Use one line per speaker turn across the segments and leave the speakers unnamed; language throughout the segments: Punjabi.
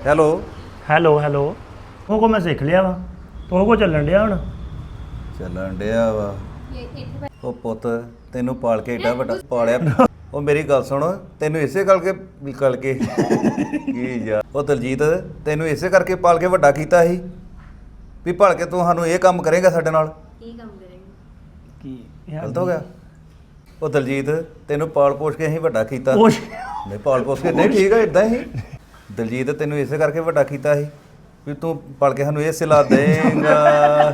ਹੈਲੋ
ਹੈਲੋ ਹੈਲੋ ਉਹ ਕੋ ਮੈਂ ਸਿੱਖ ਲਿਆ ਵਾ ਤੋ ਕੋ ਚੱਲਣ ਡਿਆ ਹੁਣ
ਚੱਲਣ ਡਿਆ ਵਾ ਉਹ ਪੁੱਤ ਤੈਨੂੰ ਪਾਲ ਕੇ ਏਡਾ ਵੱਡਾ ਪਾਲਿਆ ਉਹ ਮੇਰੀ ਗੱਲ ਸੁਣ ਤੈਨੂੰ ਇਸੇ ਕਰਕੇ ਕੀ ਯਾਰ ਉਹ ਦਲਜੀਤ ਤੈਨੂੰ ਇਸੇ ਕਰਕੇ ਪਾਲ ਕੇ ਵੱਡਾ ਕੀਤਾ ਸੀ ਵੀ ਭਲ ਕੇ ਤੂੰ ਸਾਨੂੰ ਇਹ ਕੰਮ ਕਰੇਗਾ ਸਾਡੇ ਨਾਲ
ਕੀ ਕੰਮ ਕਰੇਂਗੇ
ਕੀ
ਗਲਤ ਹੋ ਗਿਆ ਉਹ ਦਲਜੀਤ ਤੈਨੂੰ ਪਾਲ ਪੋਸ਼ ਕੇ ਅਸੀਂ ਵੱਡਾ ਕੀਤਾ
ਉਹ
ਨਹੀਂ ਪਾਲ ਪੋਸ਼ ਕੇ ਨਹੀਂ ਠੀਕ ਹੈ ਇਦਾਂ ਹੀ ਦਲਜੀਤ ਤੈਨੂੰ ਇਸੇ ਕਰਕੇ ਵੱਡਾ ਕੀਤਾ ਸੀ ਵੀ ਤੂੰ ਪਲ ਕੇ ਸਾਨੂੰ ਇਹ ਸਿਲਾ ਦੇਂਗਾ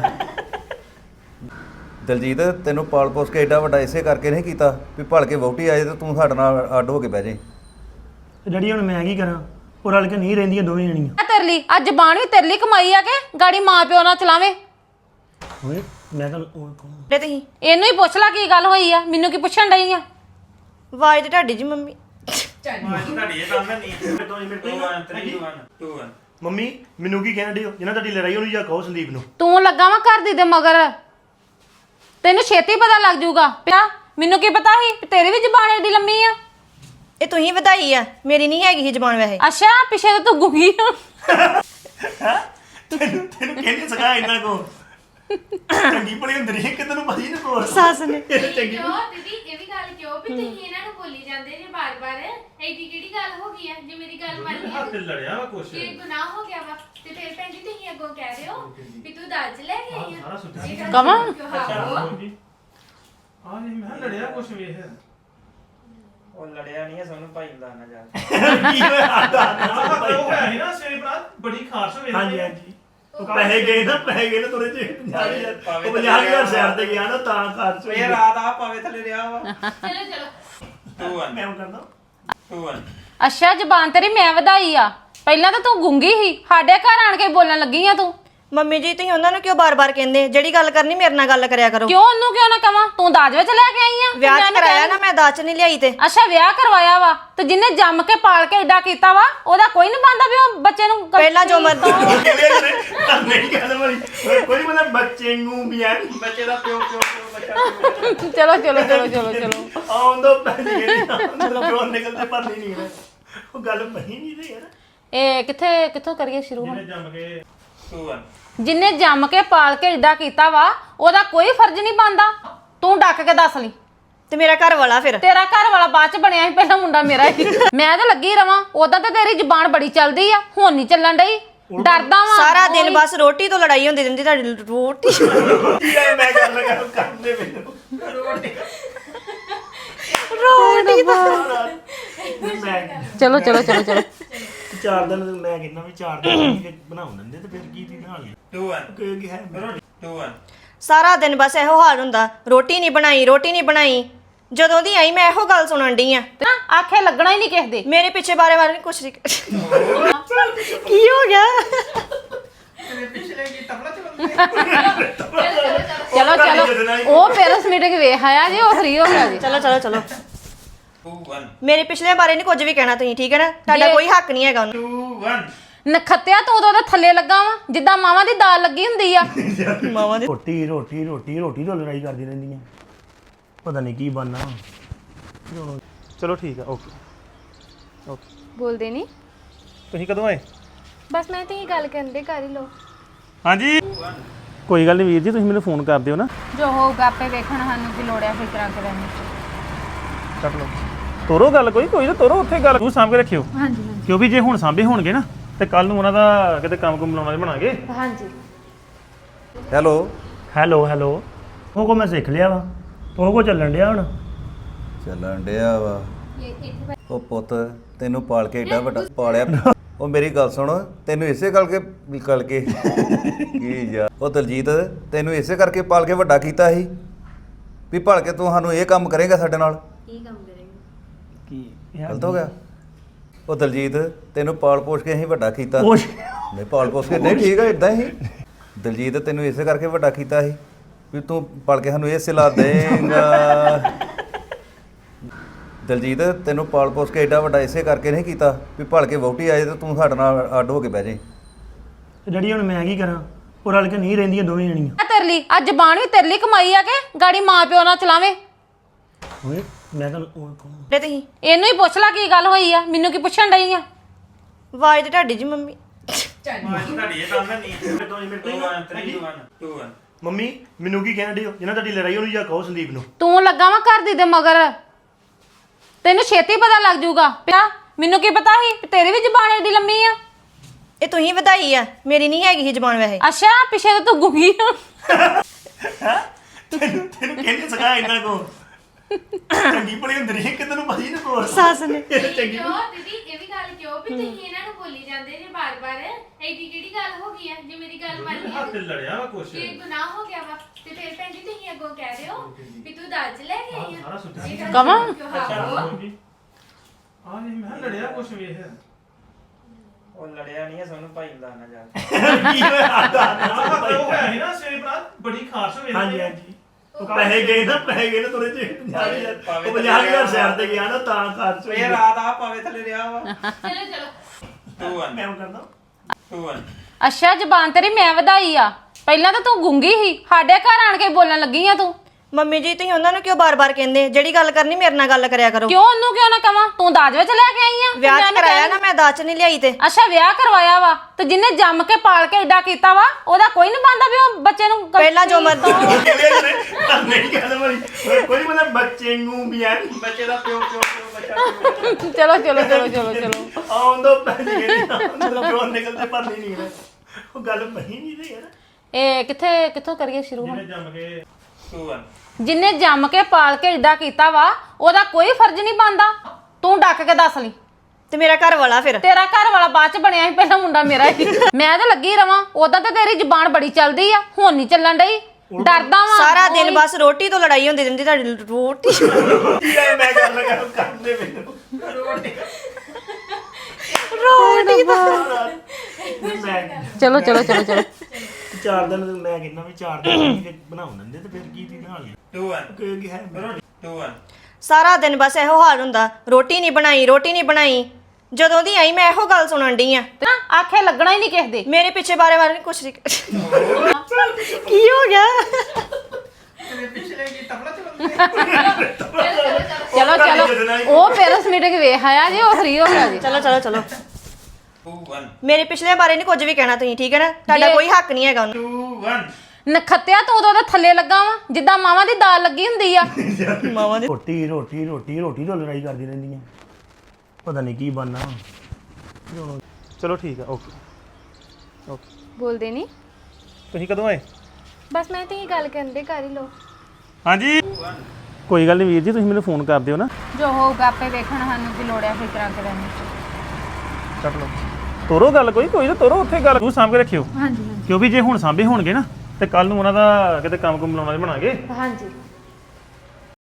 ਦਲਜੀਤ ਤੈਨੂੰ ਪਾਲ ਪੋਸ਼ ਕੇ ਏਡਾ ਵੱਡਾ ਇਸੇ ਕਰਕੇ ਨਹੀਂ ਕੀਤਾ ਵੀ ਭਲ ਕੇ ਵਹੁਟੀ ਆਏ ਤੇ ਤੂੰ ਸਾਡੇ ਨਾਲ ਅੱਡ ਹੋ ਕੇ ਬਹਿ ਜਾਈਂ
ਡੈਡੀ ਹੁਣ ਮੈਂ ਕੀ ਕਰਾਂ ਉਹ ਰਲ ਕੇ ਨਹੀਂ ਰਹਿੰਦੀਆਂ ਦੋਵੇਂ ਜਣੀਆਂ
ਤੇਰੇ ਲਈ ਅੱਜ ਜ਼ਬਾਨ ਵੀ ਤੇਰੇ ਲਈ ਕਮਾਈ ਆ ਕੇ ਗਾੜੀ ਮਾਂ ਪਿਓ ਨਾਲ ਚਲਾਵੇ
ਓਏ ਮੈਂ ਤਾਂ
ਤੇ ਤੁਸੀਂ
ਇਹਨੂੰ ਹੀ ਪੁੱਛ ਲੈ ਕੀ ਗੱਲ ਹੋਈ ਆ ਮੈਨੂੰ ਕੀ ਪੁੱਛਣ ਡਈ ਆ
ਆਵਾਜ਼ ਤੇ ਤੁਹਾਡੀ ਜੀ ਮੰਮੀ
ਮੰਮੀ ਮੈਨੂੰ ਕੀ ਕਹਿਣ ਡਿਓ ਜਿਹਨਾਂ ਤੁਹਾਡੀ ਲੜਾਈ ਉਹਨੂੰ ਜਾ ਕਹੋ ਸੰਦੀਪ ਨੂੰ
ਤੂੰ ਲੱਗਾ ਵਾ ਘਰ ਦੀ ਦੇ ਮਗਰ ਤੈਨੂੰ ਛੇਤੀ ਪਤਾ ਲੱਗ ਜਾਊਗਾ ਪਿਆ ਮੈਨੂੰ ਕੀ ਪਤਾ ਸੀ ਵੀ ਤੇਰੀ ਵੀ ਜ਼ਬਾਨ ਏਡੀ ਲੰਮੀ ਆ
ਇਹ ਤੁਸੀਂ ਵਧਾਈ ਆ ਮੇਰੀ ਨਹੀਂ ਹੈਗੀ ਸੀ ਜ਼ਬਾਨ ਵੈਸੇ
ਅੱਛਾ ਪਿੱਛੇ ਤਾਂ ਤੂੰ ਗੁੰਗੀ ਆ
ਤੈਨੂੰ ਕਹਿੰਦੇ ਸਗਾ ਇੰਨਾ ਕੋ ਚੰਗੀ ਭਲੀ ਹੁੰਦੀ ਰਹੀ ਕਿ ਤੈਨੂੰ ਪਤਾ ਹੀ ਨਾ ਕੋ
ਸੱਸ ਨੇ
ਚੰਗੀ
ਕਿਉਂ ਦੀਦੀ ਇਹ ਵੀ ਗੱਲ ਕਿਉਂ ਵੀ ਤੁਸੀਂ ਇਹਨਾਂ ਨੂੰ ਬੋਲੀ ਜਾਂਦੇ ਜੇ ਬਾਰ-ਬਾਰ ਐਡੀ ਕਿਹੜੀ ਗੱਲ ਹੋ ਗਈ ਹੈ ਜੇ ਮੇਰੀ ਗੱਲ ਮੰਨ ਲਈ
ਹੱਥ ਲੜਿਆ ਵਾ ਕੁਛ
ਇਹ ਗੁਨਾਹ ਹੋ ਗਿਆ ਵਾ ਤੇ ਫਿਰ ਭੈਣ ਜੀ ਤੁਸੀਂ ਅੱਗੋਂ ਕਹਿ ਰਹੇ ਹੋ ਵੀ ਤੂੰ ਦਾਜ ਲੈ ਕੇ ਆਈ
ਸਾਰਾ
ਆ
ਸੁੱਟਿਆ
ਇਹ ਗੱਲ
ਕਵਾਂ?
ਕਿਉਂ ਹਾਂ
ਆ ਨਹੀਂ ਮੈਂ ਲੜਿਆ ਕੁਛ ਵੇਖ
ਉਹ ਲੜਿਆ ਨਹੀਂ ਹੈ ਸਾਨੂੰ ਭਾਈ ਦਾ ਨਾ ਜਾ
ਕੀ ਹੋਇਆ
ਉਹ ਹੈ ਨਾ ਸਵੇਰੇ ਬਾਅਦ ਬੜੀ ਖਾਸ ਹੋਈ
ਹਾਂਜੀ ਹਾਂਜੀ ਉਹ ਪੈਸੇ ਗਏ ਨਾ ਤੁਰੇ ਚ 50,000 ਉਹ 50,000 ਸ਼ਹਿਰ ਤੇ ਗਿਆ ਨਾ ਤਾਂ ਖਰਚ
ਇਹ ਰਾਤ ਆ ਪਾਵੇ ਥੱਲੇ ਰਿਹਾ ਵਾ
ਚਲੋ ਚਲੋ
2 1
ਮੈਂ ਉਹ ਕਰਦਾ
2 1
ਅੱਛਾ ਜ਼ਬਾਨ ਤੇਰੀ ਮੈਂ ਵਧਾਈ ਆ ਪਹਿਲਾਂ ਤਾਂ ਤੂੰ ਗੁੰਗੀ ਸੀ ਸਾਡੇ ਘਰ ਆਣ ਕੇ ਬੋਲਣ ਲੱਗੀ ਆ ਤੂੰ
ਮੰਮੀ ਜੀ ਤੁਸੀਂ ਉਹਨਾਂ ਨੂੰ ਕਿਉਂ ਬਾਰ-ਬਾਰ ਕਹਿੰਦੇ ਜਿਹੜੀ ਗੱਲ ਕਰਨੀ ਮੇਰੇ ਨਾਲ ਗੱਲ ਕਰਿਆ ਕਰੋ
ਕਿਉਂ ਉਹਨੂੰ ਕਿਉਂ ਨਾ ਕਵਾਂ ਤੂੰ ਦਾਜ ਵਿੱਚ ਲੈ ਕੇ ਆਈ ਆ
ਵਿਆਹ
ਮੈਂ
ਚ
ਨੀ
ਕਰਾਇਆ
ਕਹਿ-
ਨਾ ਮੈਂ ਦਾਜ ਚ ਨਹੀਂ ਲਿਆਈ ਤੇ
ਅੱਛਾ ਵਿਆਹ ਕਰਵਾਇਆ ਵਾ ਤੇ ਜਿਹਨੇ ਜੰਮ ਕੇ ਪਾਲ ਕੇ ਏਡਾ ਕੀਤਾ ਵਾ ਉਹਦਾ ਕੋਈ ਨਹੀਂ ਬੰਦਾ ਵੀ ਉਹ ਬੱਚੇ ਨੂੰ
ਪਹਿਲਾਂ ਜੋ ਮਰਜ਼ੀ
ਨਹੀਂ ਗੱਲ ਬੜੀ ਕੋਈ ਮਤਲਬ ਬੱਚੇ ਨੂੰ ਵੀ ਆ
ਬੱਚੇ ਦਾ ਪਿਓ ਬੱਚਾ
ਚਲੋ ਚਲੋ ਚਲੋ ਚਲੋ ਚਲੋ
ਆਉਂਦਾ ਪੈਸੇ ਚਲੋ ਨਿਕਲਦੇ ਪਰ ਨਹੀਂ ਨਿਕਲੇ ਉਹ ਗੱਲ ਪਈ ਨਹੀਂ ਤੇ ਯਾਰ
ਇਹ ਕਿੱਥੋਂ ਕਰੀਏ ਸ਼ੁਰੂ ਹੁਣ
ਜੰਮ ਕੇ
2 1
ਜਿੰਨੇ ਜੰਮ ਕੇ ਪਾਲ ਕੇ ਏਡਾ ਕੀਤਾ ਵਾ ਉਹਦਾ ਕੋਈ ਫਰਜ਼ ਨਹੀਂ ਬਣਦਾ ਤੂੰ ਡੱਕ ਕੇ ਦੱਸ ਲਈ
ਤੇ ਮੇਰਾ ਘਰ ਵਾਲਾ ਫਿਰ
ਤੇਰਾ ਘਰ ਵਾਲਾ ਬਾਅਦ ਚ ਬਣਿਆ ਸੀ ਪਹਿਲਾਂ ਮੁੰਡਾ ਮੇਰਾ ਹੀ ਮੈਂ ਤਾਂ ਲੱਗੀ ਰਵਾਂ ਉਦਾਂ ਤਾਂ ਤੇਰੀ ਜ਼ੁਬਾਨ ਬੜੀ ਚੱਲਦੀ ਆ ਹੁਣ ਨਹੀਂ ਚੱਲਣ ਡਈ ਡਰਦਾ ਵਾਂ
ਸਾਰਾ ਦਿਨ ਬਸ ਰੋਟੀ ਤੋਂ ਲੜਾਈ ਹੁੰਦੀ ਰਹਿੰਦੀ ਤੁਹਾਡੀ ਰੋਟੀ
ਯਾਰ ਮੈਂ ਗੱਲ ਕਰਦੇ ਮੈਨੂੰ
ਰੋਟੀ ਦਾ
ਮੈਂ
ਚਲੋ ਚਲੋ ਚਲੋ ਚਲੋ
4 ਦਿਨ ਮੈਂ ਕਹਿੰਦਾ ਵੀ 4 ਦਿਨ ਬਣਾਉਣ ਦਿੰਦੇ ਤੇ ਫਿਰ ਕੀ ਦੀ ਬਣਾ ਲਈ
2 1
ਕੀ ਹੈ
2 1
ਸਾਰਾ ਦਿਨ ਬਸ ਇਹੋ ਹਾਲ ਹੁੰਦਾ ਰੋਟੀ ਨਹੀਂ ਬਣਾਈ ਜਦੋਂ ਦੀ ਆਈ ਮੈਂ ਇਹੋ ਗੱਲ ਸੁਣਨ ਡਈ ਆ
ਤੇ ਨਾ ਆਖੇ ਲੱਗਣਾ ਹੀ ਨਹੀਂ ਕਿਸੇ ਦੇ
ਮੇਰੇ ਪਿੱਛੇ ਬਾਰੇ ਕੁਛ ਨਹੀਂ ਕੀ ਹੋ ਗਿਆ
ਪਿਛਲੇ ਕੀ ਤਬਲਾ ਚਲਾਉਂਦੇ
ਚਲੋ ਚਲੋ ਉਹ ਪੈਰਸ ਮੀਟਿੰਗ ਵੇਖ ਆਇਆ ਜੀ ਉਹ ਫ੍ਰੀ ਹੋ ਗਿਆ ਜੀ
ਚਲੋ
2 1 ਮੇਰੇ
ਮੇਰੇ ਪਿਛਲੇ ਬਾਰੇ ਨਹੀਂ ਕੁਝ ਵੀ ਕਹਿਣਾ ਤੁਸੀਂ ਠੀਕ ਹੈ ਨਾ ਤੁਹਾਡਾ ਕੋਈ ਹੱਕ ਨਹੀਂ ਹੈਗਾ ਉਹਨੂੰ
2 1
ਨਖੱਤਿਆ ਤੂੰ ਉਦੋਂ ਦੇ ਥੱਲੇ ਲੱਗਾ ਵਾ ਜਿੱਦਾਂ ਮਾਵਾਂ ਦੀ ਦਾਲ ਲੱਗੀ ਹੁੰਦੀ ਆ
ਮਾਵਾਂ ਦੇ
ਰੋਟੀ ਤੋਂ ਲੜਾਈ ਕਰਦੀ ਰਹਿੰਦੀਆਂ ਪਤਾ ਨਹੀਂ ਕੀ ਬਣਨਾ ਚਲੋ ਠੀਕ ਆ ਓਕੇ
ਬੋਲਦੇ ਨਹੀਂ
ਤੁਸੀਂ ਕਦੋਂ ਆਏ
ਬਸ ਮੈਂ ਤੇ ਇਹ ਗੱਲ ਕਰਨ ਦੇ ਕਰ ਹੀ ਲੋ
ਹਾਂਜੀ ਕੋਈ ਗੱਲ ਨਹੀਂ ਵੀਰ ਜੀ ਤੁਸੀਂ ਮੈਨੂੰ ਫੋਨ ਕਰ ਦਿਓ ਨਾ
ਜੋ ਹੋਊਗਾ ਆਪੇ ਵੇਖਣ ਸਾਨੂੰ ਕੀ ਲੋੜ ਹੈ ਫਿਕਰਾਂ ਕਰਨ ਦੀ
ਕੱਟ ਲਓ ਤੋਰੋ ਗੱਲ ਕੋਈ ਨਾ ਤੋਰੋ ਉੱਥੇ ਗੱਲ ਤੂੰ ਸਾਂਭ ਕੇ ਰੱਖਿਓ
ਹਾਂਜੀ
ਕਿਉਂਕਿ ਜੇ ਹੁਣ ਸਾਂਭੇ ਹੋਣਗੇ ਨਾ ਤੇ ਕੱਲ ਨੂੰ ਉਹਨਾਂ ਦਾ ਕਿਤੇ ਕੰਮ ਬਣਾਉਣਾ ਬਣਾਗੇ
ਹਾਂਜੀ
ਹੈਲੋ
ਉਹ ਕੋ ਮੈਂ ਸਿੱਖ ਲਿਆ ਵਾ ਉਹ ਕੋ ਚੱਲਣ ਡਿਆ ਹੁਣ
ਚੱਲਣ ਡਿਆ ਵਾ ਉਹ ਪੁੱਤ ਤੈਨੂੰ ਪਾਲ ਕੇ ਏਡਾ ਵੱਡਾ ਪਾਲਿਆ ਉਹ ਮੇਰੀ ਗੱਲ ਸੁਣ ਤੈਨੂੰ ਇਸੇ ਕਰਕੇ ਕੀ ਯਾਰ ਉਹ ਦਲਜੀਤ ਤੈਨੂੰ ਇਸੇ ਕਰਕੇ ਪਾਲ ਕੇ ਵੱਡਾ ਕੀਤਾ ਸੀ ਵੀ ਭਲ ਕੇ ਤੂੰ ਸਾਨੂੰ ਇਹ ਕੰਮ ਕਰੇਗਾ ਸਾਡੇ ਨਾਲ
ਕੀ ਕੰਮ ਕਰੇਂਗੇ
ਕੀ
ਗਲਤ ਹੋ ਗਿਆ ਉਹ ਦਲਜੀਤ ਤੈਨੂੰ ਪਾਲ ਪੋਸ਼ ਕੇ ਅਸੀਂ ਵੱਡਾ ਕੀਤਾ
ਉਹ
ਨਹੀਂ ਪਾਲ ਪੋਸ਼ ਕੇ ਨਹੀਂ ਠੀਕ ਹੈ ਇਦਾਂ ਹੀ ਦਲਜੀਤ ਤੈਨੂੰ ਇਸੇ ਕਰਕੇ ਵੱਡਾ ਕੀਤਾ ਸੀ ਵੀ ਤੂੰ ਪਲ ਕੇ ਸਾਨੂੰ ਇਹ ਸਿਲਾ ਦੇਂਗਾ ਦਲਜੀਤ ਤੈਨੂੰ ਪਾਲ ਪੋਸ਼ ਕੇ ਏਡਾ ਵੱਡਾ ਇਸੇ ਕਰਕੇ ਨਹੀਂ ਕੀਤਾ ਵੀ ਭਲ ਕੇ ਵਹੁਟੀ ਆਏ ਤੇ ਤੂੰ ਸਾਡੇ ਨਾਲ ਅੱਡ ਹੋ ਕੇ ਬਹਿ ਜਾਈਂ
ਡੈਡੀ ਹੁਣ ਮੈਂ ਕੀ ਕਰਾਂ ਉਹ ਰਲ ਕੇ ਨਹੀਂ ਰਹਿੰਦੀਆਂ ਦੋਵੇਂ ਜਣੀਆਂ
ਤੇਰੇ ਲਈ ਅੱਜ ਜ਼ਬਾਨ ਵੀ ਤੇਰੇ ਲਈ ਕਮਾਈ ਆ ਕੇ ਗਾੜੀ ਮਾਂ ਪਿਓ ਨਾਲ ਚਲਾਵੇ
ਓਏ ਮੈਂ ਤਾਂ
ਤੇ ਤੁਸੀਂ
ਇਹਨੂੰ ਹੀ ਪੁੱਛ ਲੈ ਕੀ ਗੱਲ ਹੋਈ ਆ ਮੈਨੂੰ ਕੀ ਪੁੱਛਣ ਡਈ ਆ
ਆਵਾਜ਼ ਤੇ ਤੁਹਾਡੀ ਜੀ ਮੰਮੀ
ਤੁਹਾਡੀ ਇਹ ਕੰਮ ਨਹੀਂ 2 1 3 2 1 2 1
ਮੰਮੀ ਮੈਨੂੰ ਕੀ ਕਹਿਣ ਡਏ ਹੋ ਜਿਹਨਾਂ ਤੁਹਾਡੀ ਲੜਾਈ ਹੋਣੀ ਜਾਂ ਕਹੋ ਸੰਦੀਪ ਨੂੰ
ਤੂੰ ਲੱਗਾ ਵਾ ਘਰ ਦੀ ਦੇ ਮਗਰ ਤੈਨੂੰ ਛੇਤੀ ਪਤਾ ਲੱਗ ਜਾਊਗਾ ਪਿਆ ਮੈਨੂੰ ਕੀ ਪਤਾ ਸੀ ਕਿ ਤੇਰੀ ਵੀ ਜ਼ਬਾਨ ਏਡੀ ਲੰਮੀ ਆ
ਇਹ ਤੁਸੀਂ ਵਧਾਈ ਆ ਮੇਰੀ ਨਹੀਂ ਹੈਗੀ ਸੀ ਜ਼ਬਾਨ ਵੈਸੇ
ਅੱਛਾ ਪਿੱਛੇ ਤਾਂ ਤੂੰ ਗੁੰਗੀ ਆ
ਤੈਨੂੰ ਕਹਿੰਦੇ ਸਗਾ ਇੰਨਾ ਕੋ ਚੰਗੀ ਭਲੀ ਹੁੰਦੀ ਰਹੀ ਕਿ ਤੈਨੂੰ ਪਤਾ ਹੀ ਨਾ ਕੋ
ਸੱਸ ਨੇ
ਚੰਗੀ
ਕਿਉਂ ਦੀਦੀ ਇਹ ਵੀ ਗੱਲ ਕਿਉਂ ਵੀ ਤੁਸੀਂ ਇਹਨਾਂ ਨੂੰ ਬੋਲੀ ਜਾਂਦੇ ਜੇ ਬਾਰ-ਬਾਰ ਐਡੀ ਕਿਹੜੀ ਗੱਲ ਹੋ ਗਈ ਹੈ ਜੇ ਮੇਰੀ ਗੱਲ ਮੰਨ
ਹੱਥ
ਲਈ
ਲੜਿਆ ਵਾ ਕੁਛ
ਇਹ ਗੁਨਾਹ ਹੋ ਗਿਆ ਵਾ ਤੇ ਫਿਰ ਭੈਣ ਜੀ ਤੁਸੀਂ ਅੱਗੋਂ ਕਹਿ ਦਿਓ ਵੀ ਤੂੰ ਦਾਜ ਲੈ ਕੇ ਆਈ
ਸਾਰਾ
ਆ
ਸੁੱਟਿਆ
ਇਹ ਗੱਲ
ਕਵਾਂ?
ਕਿਉਂ ਹਾਂ
ਆ ਨਹੀਂ ਮੈਂ ਕਿਹਾ ਲੜਿਆ ਕੁਛ ਵੇਖ
ਉਹ ਲੜਿਆ ਨਹੀਂ ਸੋਨੂੰ ਭਾਈ ਦਾ ਨਾ ਜਾ
ਕੀ ਹੋਇਆ
ਉਹ ਹੈ ਨਾ ਸਵੇਰੇ ਬਰਾਤ ਬੜੀ ਖਾਸ ਹੋਈ
ਹਾਂਜੀ ਹਾਂਜੀ ਉਹ ਪੈਸੇ ਗਏ ਨਾ ਤੁਰੇ ਚ 50000 ਉਹ 50000 ਸ਼ਹਿਰ ਤੇ ਗਿਆ ਨਾ ਤਾਂ ਖਰਚ
ਇਹ ਰਾਤ ਆ ਪਾਵੇ ਥੱਲੇ ਰਿਹਾ ਵਾ
ਚਲੋ ਚਲੋ
2 1
ਮੈਂ ਉਹ ਕਰਦਾ
2 1
ਅੱਛਾ ਜ਼ਬਾਨ ਤੇਰੀ ਮੈਂ ਵਧਾਈ ਆ ਪਹਿਲਾਂ ਤਾਂ ਤੂੰ ਗੁੰਗੀ ਸੀ ਸਾਡੇ ਘਰ ਆਣ ਕੇ ਬੋਲਣ ਲੱਗੀ ਆ ਤੂੰ
ਮੰਮੀ ਜੀ ਤੁਸੀਂ ਉਹਨਾਂ ਨੂੰ ਕਿਉਂ ਬਾਰ-ਬਾਰ ਕਹਿੰਦੇ ਜਿਹੜੀ ਗੱਲ ਕਰਨੀ ਮੇਰੇ ਨਾਲ ਗੱਲ ਕਰਿਆ ਕਰੋ
ਕਿਉਂ ਉਹਨੂੰ ਕਿਉਂ ਨਾ ਕਵਾਂ ਤੂੰ ਦਾਜ ਵਿੱਚ ਲੈ ਕੇ ਆਈ ਆ
ਵਿਆਹ
ਮੈਂ
ਚ ਕਰਾਇਆ ਨਾ ਮੈਂ ਦਾਜ ਚ ਨਹੀਂ ਲਿਆਈ ਤੇ
ਅੱਛਾ ਵਿਆਹ ਕਰਵਾਇਆ ਵਾ ਤੇ ਜਿੰਨੇ ਜੰਮ ਕੇ ਪਾਲ ਕੇ ਏਡਾ ਕੀਤਾ ਵਾ ਉਹਦਾ ਕੋਈ ਨਹੀਂ ਬਣਦਾ ਵੀ ਉਹ ਬੱਚੇ ਨੂੰ
ਪਹਿਲਾਂ ਜੋ ਮਰਜ਼ੀ
ਨਹੀਂ ਕਹਿੰਦਾ ਭਾਈ ਕੋਈ ਮਤਲਬ ਬੱਚੇ ਨੂੰ ਵੀ ਆ
ਬੱਚੇ ਦਾ ਪਿਓ ਬੱਚਾ
ਚਲੋ ਚਲੋ ਚਲੋ ਚਲੋ ਚਲੋ
ਆਉਂਦੋ ਪੈਸੇ ਗਏ ਜੋ ਨਿਕਲਦੇ ਪਰ ਨਹੀਂ ਨਿਕਲੇ ਉਹ ਗੱਲ ਮਹੀ ਨਹੀਂ ਰਹੀ ਯਾਰ
ਇਹ ਕਿੱਥੋਂ ਕਰੀਏ ਸ਼ੁਰੂ ਹੁਣ
ਜੰਮ ਕੇ
2 1
ਜਿੰਨੇ ਜੰਮ ਕੇ ਪਾਲ ਕੇ ਏਡਾ ਕੀਤਾ ਵਾ ਉਹਦਾ ਕੋਈ ਫਰਜ਼ ਨਹੀਂ ਬਣਦਾ ਤੂੰ ਡੱਕ ਕੇ ਦੱਸ ਲਈ
ਤੇ ਮੇਰਾ ਘਰ ਵਾਲਾ ਫਿਰ
ਤੇਰਾ ਘਰ ਵਾਲਾ ਬਾਅਦ ਚ ਬਣਿਆ ਸੀ ਪਹਿਲਾਂ ਮੁੰਡਾ ਮੇਰਾ ਹੀ ਮੈਂ ਤਾਂ ਲੱਗੀ ਰਵਾਂ ਉਦਾਂ ਤਾਂ ਤੇਰੀ ਜ਼ੁਬਾਨ ਬੜੀ ਚੱਲਦੀ ਆ ਹੁਣ ਨਹੀਂ ਚੱਲਣ ਡਈ ਡਰਦਾ ਵਾਂ
ਸਾਰਾ ਦਿਨ ਬਸ ਰੋਟੀ ਤੋਂ ਲੜਾਈ ਹੁੰਦੀ ਰਹਿੰਦੀ ਤੁਹਾਡੀ ਰੋਟੀ
ਕੀ ਆ ਮੈਂ ਗੱਲ ਕਰ ਕਰਦੇ ਮੈਨੂੰ ਮੈਂ
ਚਲੋ ਚਲੋ ਚਲੋ ਚਲੋ
4 ਦਿਨ ਮੈਂ ਕਹਿੰਦਾ ਵੀ 4 ਦਿਨ ਬਣਾਉਣ ਦਿੰਦੇ ਤੇ ਫਿਰ ਕੀ ਦੀ ਬਣਾ ਲਈ
2 1
ਕੀ ਹੈ
2 1
ਸਾਰਾ ਦਿਨ ਬਸ ਇਹੋ ਹਾਲ ਹੁੰਦਾ ਰੋਟੀ ਨਹੀਂ ਬਣਾਈ ਜਦੋਂ ਦੀ ਆਈ ਮੈਂ ਇਹੋ ਗੱਲ ਸੁਣਨ ਡਈ ਆ
ਤੇ ਨਾ ਆਖੇ ਲੱਗਣਾ ਹੀ ਨਹੀਂ ਕਿਸੇ ਦੇ
ਮੇਰੇ ਪਿੱਛੇ ਬਾਰੇ ਕੁਛ ਨਹੀਂ ਕੀ ਹੋ ਗਿਆ
ਚਲੋ ਚਲੋ ਉਹ ਪੈਰਸ ਮੀਟਿੰਗ ਵੇਖ ਆਇਆ ਜੀ ਉਹ ਫ੍ਰੀ ਹੋ ਗਿਆ ਜੀ
ਚਲੋ
2 1
ਮੇਰੇ ਪਿਛਲੇ ਬਾਰੇ ਨਹੀਂ ਕੁਝ ਵੀ ਕਹਿਣਾ ਤੁਸੀਂ ਠੀਕ ਹੈ ਨਾ ਤੁਹਾਡਾ ਕੋਈ ਹੱਕ ਨਹੀਂ ਹੈਗਾ ਉਹਨੂੰ
2 1
ਨਖੱਤਿਆ ਤੂੰ ਉਹਦੇ ਥੱਲੇ ਲੱਗਾ ਵਾ ਜਿੱਦਾਂ ਮਾਵਾਂ ਦੀ ਦਾਲ ਲੱਗੀ ਹੁੰਦੀ ਆ
ਮਾਵਾਂ ਦੀ
ਰੋਟੀ ਤੋਂ ਲੜਾਈ ਕਰਦੀ ਰਹਿੰਦੀਆਂ ਪਤਾ ਨਹੀਂ ਕੀ ਬਣਨਾ ਹੁਣ ਚਲੋ ਠੀਕ ਆ ਓਕੇ
ਬੋਲਦੇ ਨਹੀਂ
ਤੁਸੀਂ ਕਦੋਂ ਆਏ
ਬਸ ਮੈਂ ਤੇ ਇਹ ਗੱਲ ਕਰਨ ਦੇ ਕਰ ਹੀ ਲੋ
ਹਾਂਜੀ ਕੋਈ ਗੱਲ ਨਹੀਂ ਵੀਰ ਜੀ ਤੁਸੀਂ ਮੈਨੂੰ ਫੋਨ ਕਰ ਦਿਓ ਨਾ
ਜੋ ਹੋਊਗਾ ਆਪੇ ਵੇਖਣ ਸਾਨੂੰ ਕੀ ਲੋੜ ਹੈ ਫਿਕਰਾਂ ਕਰਨ ਦੀ
ਕੱਟ ਲਓ ਤੋਰੋ ਗੱਲ ਕੋਈ ਨਾ ਤੋਰੋ ਉੱਥੇ ਗੱਲ ਤੂੰ ਸਾਂਭ ਕੇ ਰੱਖਿਓ
ਹਾਂਜੀ
ਕਿਉਂਕਿ ਜੇ ਹੁਣ ਸਾਂਭੇ ਹੋਣਗੇ ਨਾ ਤੇ ਕੱਲ ਨੂੰ ਉਹਨਾਂ ਦਾ ਕਿਤੇ ਕੰਮ ਲਾਉਣਾ ਬਣਾਗੇ
ਹਾਂਜੀ